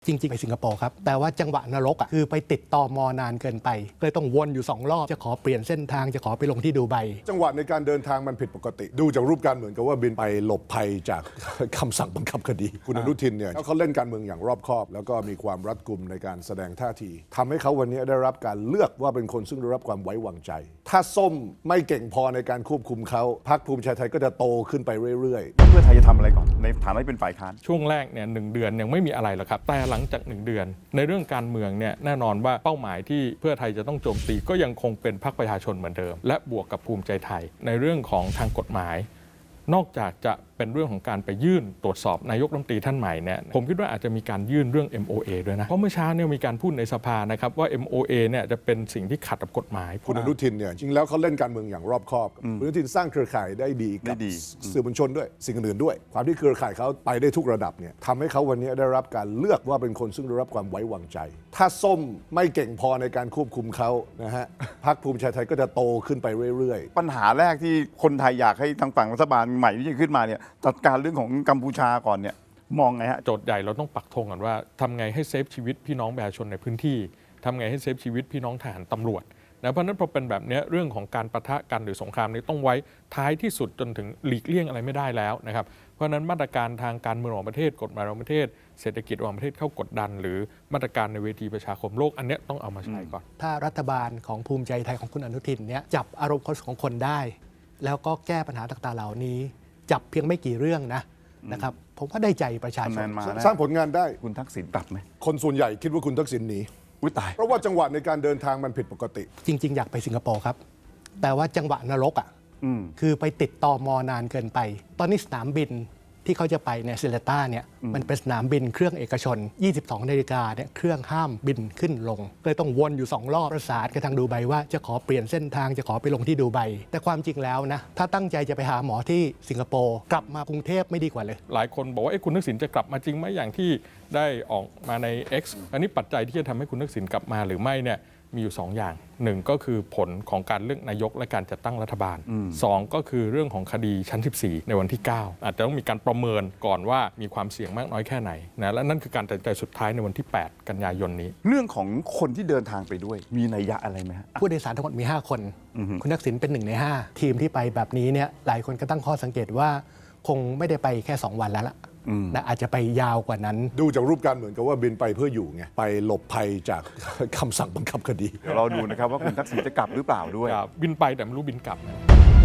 จริงๆไปสิงคโปร์ครับแต่ว่าจังหวะนรกคือไปติดตม.นานเกินไปเลยต้องวนอยู่2 รอบจะขอเปลี่ยนเส้นทางจะขอไปลงที่ดูไบจังหวะในการเดินทางมันผิดปกติดูจากรูปการเหมือนกับว่าบินไปหลบภัยจาก คำสั่งบังคับคดีคุณอนุทินเนี่ยเขาเล่นการเมืองอย่างรอบคอบ แล้วก็มีความรัดกุมในการแสดงท่าทีทำให้เขาวันนี้ได้รับการเลือกว่าเป็นคนซึ่งได้รับความไว้วางใจ ถ้าส้มไม่เก่งพอในการควบคุมเขาพรรคภูมิใจไทยก็จะโตขึ้นไปเรื่อยๆเพื่อไทยจะทำอะไรก่อนในฐานะที่เป็นฝ่ายค้านช่วงแรกเนี่ย1 เดือนยังไม่มีอะไรหรอกครับแต่หลังจาก1 เดือนในเรื่องการเมืองเนี่ยแน่นอนว่าเป้าหมายที่เพื่อไทยจะต้องโจมตีก็ยังคงเป็นพรรคประชาชนเหมือนเดิมและบวกกับภูมิใจไทยในเรื่องของทางกฎหมายนอกจากจะเป็นเรื่องของการไปยื่นตรวจสอบนายกรัฐมนตรีท่านใหม่เนี่ยผมคิดว่าอาจจะมีการยื่นเรื่อง MOA ด้วยนะเพราะเมื่อเช้าเนี่ยมีการพูดในสภานะครับว่า MOA เนี่ยจะเป็นสิ่งที่ขัดกับกฎหมายคุณอนุทินเนี่ยจริงแล้วเขาเล่นการเมืองอย่างรอบคอบคุณอนุทินสร้างเครือข่ายได้ดีกับสื่อมวลชนด้วยสิ่งอื่นด้วยความที่เครือข่ายเขาไปได้ทุกระดับเนี่ยทำให้เขาวันนี้ได้รับการเลือกว่าเป็นคนซึ่งได้รับความไว้วางใจ ถ้าส้มไม่เก่งพอในการควบคุมเขานะฮะพรรคภูมิใจไทยก็จะโตขึ้นไปเรื่อยๆปัญหาแรกที่คนไทยอยากให้ทางฝั่งรัฐบาลใหม่ที่จะขึ้นมาเนี่ยจัดการเรื่องของกัมพูชาก่อนเนี่ยมองไงฮะโจทย์ใหญ่เราต้องปักธงก่อนว่าทำไงให้เซฟชีวิตพี่น้องประชาชนในพื้นที่ทำไงให้เซฟชีวิตพี่น้องทหารตำรวจนะเพราะนั้นพอเป็นแบบนี้เรื่องของการปะทะกันหรือสงครามนี้ต้องไว้ท้ายที่สุดจนถึงหลีกเลี่ยงอะไรไม่ได้แล้วนะครับเพราะนั้นมาตรการทางการเมืองของประเทศกฎหมายของประเทศเศรษฐกิจของประเทศเข้ากดดันหรือมาตรการในเวทีประชาคมโลกอันนี้ต้องเอามาใช้ก่อนถ้ารัฐบาลของภูมิใจไทยของคุณอนุทินเนี่ยจับอารมณ์ของคนได้แล้วก็แก้ปัญหาต่างๆเหล่านี้จับเพียงไม่กี่เรื่องนะครับผมว่าได้ใจประชาชนสร้างผลงานได้คุณทักษิณกลับไหมคนส่วนใหญ่คิดว่าคุณทักษิณหนีตายเพราะว่าจังหวะในการเดินทางมันผิดปกติจริงๆอยากไปสิงคโปร์ครับแต่ว่าจังหวะนรกคือไปติดตม.นานเกินไปตอนนี้สนามบินที่เขาจะไปเนี่ยเซเลต้าเนี่ยมันเป็นสนามบินเครื่องเอกชน 22 นาฬิกาเนี่ยเครื่องห้ามบินขึ้นลงเลยต้องวนอยู่2 รอบประสานกับทางดูไบว่าจะขอเปลี่ยนเส้นทางจะขอไปลงที่ดูไบแต่ความจริงแล้วนะถ้าตั้งใจจะไปหาหมอที่สิงคโปร์กลับมากรุงเทพไม่ดีกว่าเลยหลายคนบอกว่าคุณทักษิณจะกลับมาจริงไหมอย่างที่ได้ออกมาใน X อันนี้ปัจจัยที่จะทำให้คุณทักษิณกลับมาหรือไม่เนี่ยมีอยู่2 อย่าง1ก็คือผลของการเลือกนายกและการจัดตั้งรัฐบาล2ก็คือเรื่องของคดีชั้น 14 ในวันที่ 9อาจจะต้องมีการประเมินก่อนว่ามีความเสี่ยงมากน้อยแค่ไหนนะและนั่นคือการตัดสินใจสุดท้ายในวันที่ 8 กันยายนนี้เรื่องของคนที่เดินทางไปด้วยมีนัยยะอะไรไหมฮะผู้โดยสารทั้งหมดมี5 คนคุณทักษิณเป็น1 ใน 5ทีมที่ไปแบบนี้เนี่ยหลายคนก็ตั้งข้อสังเกตว่าคงไม่ได้ไปแค่2 วันแล้วล่ะนะอาจจะไปยาวกว่านั้นดูจากรูปการเหมือนกับว่าบินไปเพื่ออยู่ไงไปหลบภัยจากคำสั่งบังคับคดีเดี๋ยวเราดูนะครับว่าคุณทักษิณจะกลับหรือเปล่าด้วยบินไปแต่ไม่รู้บินกลับ